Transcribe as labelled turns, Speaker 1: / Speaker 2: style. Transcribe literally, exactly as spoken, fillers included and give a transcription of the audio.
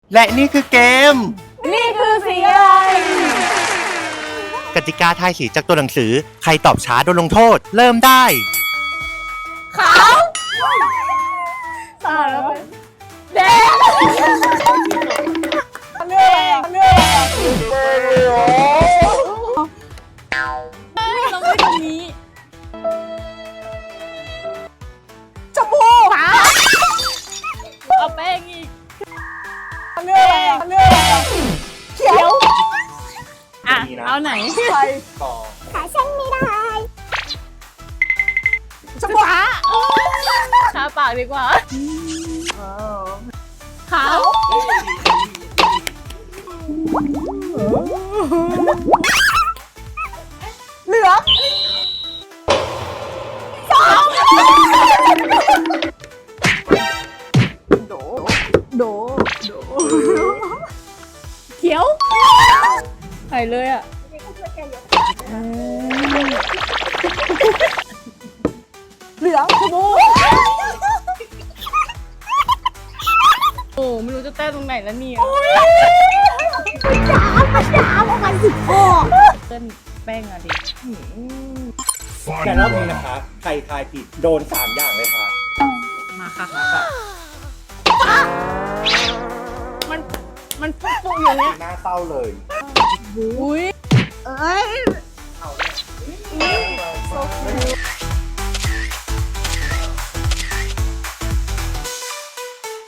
Speaker 1: และนี่คือเกม
Speaker 2: นี่คือสีอะไร
Speaker 1: กติกาทายสีจากตัวหนังสือใครตอบช้าโดนลงโทษเริ่มได้
Speaker 2: ขาวสาแล้วแดงเลือกเลือกต้องไปตรงนี้ชมพูขาวเอาแป้งอีกเลือกเลือกเขียวอ่ะเอาไหนใครต่อขาฉันไม่ได้ชมพูขาทาปากดีกว่าขาวเหลืองสองโดโดโดเขียวใส่เลยอ่ะเหลืองชมพูโอ้ไม่รู้จะแต้ตรงไหนแล้วเนี่ยยาวมันยาวประมาณสิบข้อเต้นแป้งอะดิ
Speaker 1: แต่รอบนี้นะคะใครทายผิดโดนสามอย่างเลยค่ะ
Speaker 2: มาค่ะมาค่ะมันมันปุ๊บปุ๊บอย่างเงี้ย
Speaker 1: หน้าเศร้าเลย
Speaker 2: อุ้ยเอ้ยเอาเลย